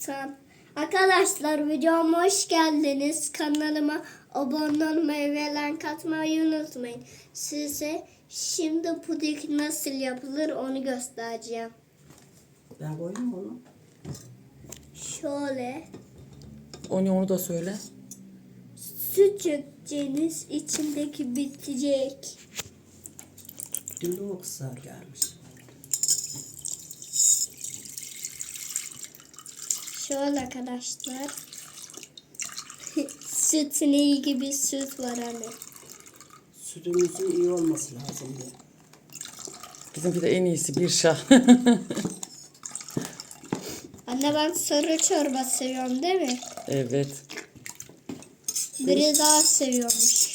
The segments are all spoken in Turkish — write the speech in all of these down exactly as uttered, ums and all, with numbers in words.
Tamam. Arkadaşlar videoma hoş geldiniz. Kanalıma abone olmayı ve like atmayı unutmayın. Size şimdi puding nasıl yapılır onu göstereceğim. Ben koydum onu. Şöyle Onu onu da söyle. süt dökeceğiniz, içindeki bitecek. Dün de o kısa gelmiş. Şöyle arkadaşlar. Sütün iyi gibi süt var hani. Sütümüzün iyi olması lazım diye. Bizimki de en iyisi bir şah. Anne ben sarı çorba seviyorum değil mi? Evet. Biri daha seviyormuş.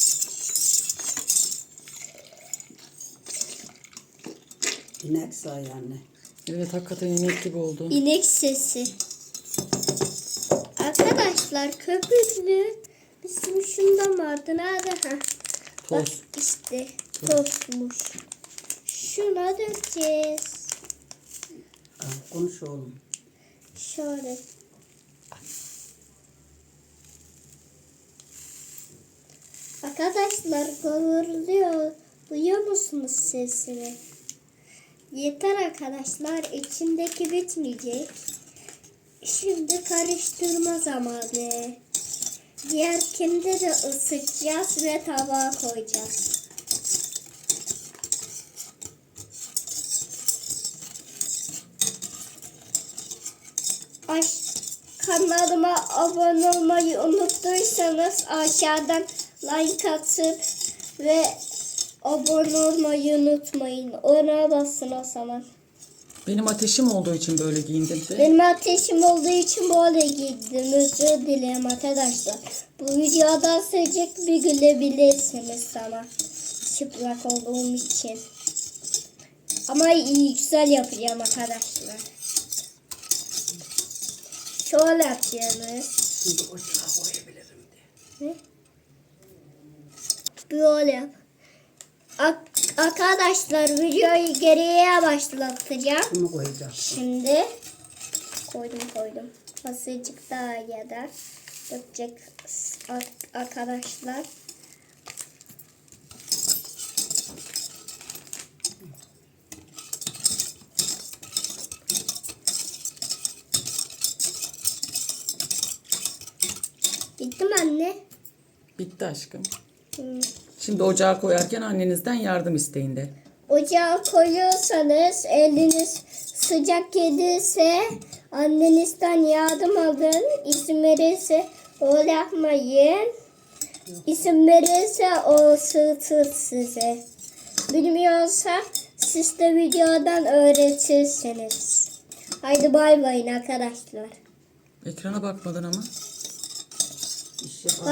İnek say anne. Evet hakikaten inek gibi oldu. İnek sesi. Arkadaşlar köpüklü bizim şundan vardı. Nerede? Ha. Bak Toz. işte tozmuş. Şuna dökeceğiz. Ha, konuş oğlum. Şöyle. Arkadaşlar kıvırlıyor. Duyuyor musunuz sesini? Yeter arkadaşlar. İçindeki bitmeyecek. Şimdi karıştırma zamanı. Diğerkinde de ısıtacağız ve tabağa koyacağız. Ay, kanalıma abone olmayı unuttuysanız aşağıdan like atıp ve abone olmayı unutmayın. Ona basın o zaman. Benim ateşim olduğu için böyle giyindim de. Benim ateşim olduğu için böyle giydim. Özür dilerim arkadaşlar. Bu videoda sıcak bir gülebilirsiniz sana. Çıplak olduğum için. Ama iyi güzel yapacağım arkadaşlar. Şöyle yapacağız. Şimdi ocağa koyabilirim diye. Ne? Böyle yap. Ak- arkadaşlar videoyu geriye başlatacağım. Bunu koyacağım. Şimdi koydum koydum. Azıcık daha ya da dökecek arkadaşlar. Bitti mi anne? Bitti aşkım. Hmm. Şimdi ocağa koyarken annenizden yardım isteyin de. Ocağa koyuyorsanız eliniz sıcak gelirse annenizden yardım alın. İzin verirse öyle yapmayın. İzin verirse o ısıtır size. Bilmiyorsa siz de videodan öğretirsiniz. Haydi bay bay arkadaşlar. Ekrana bakmadın ama. İşe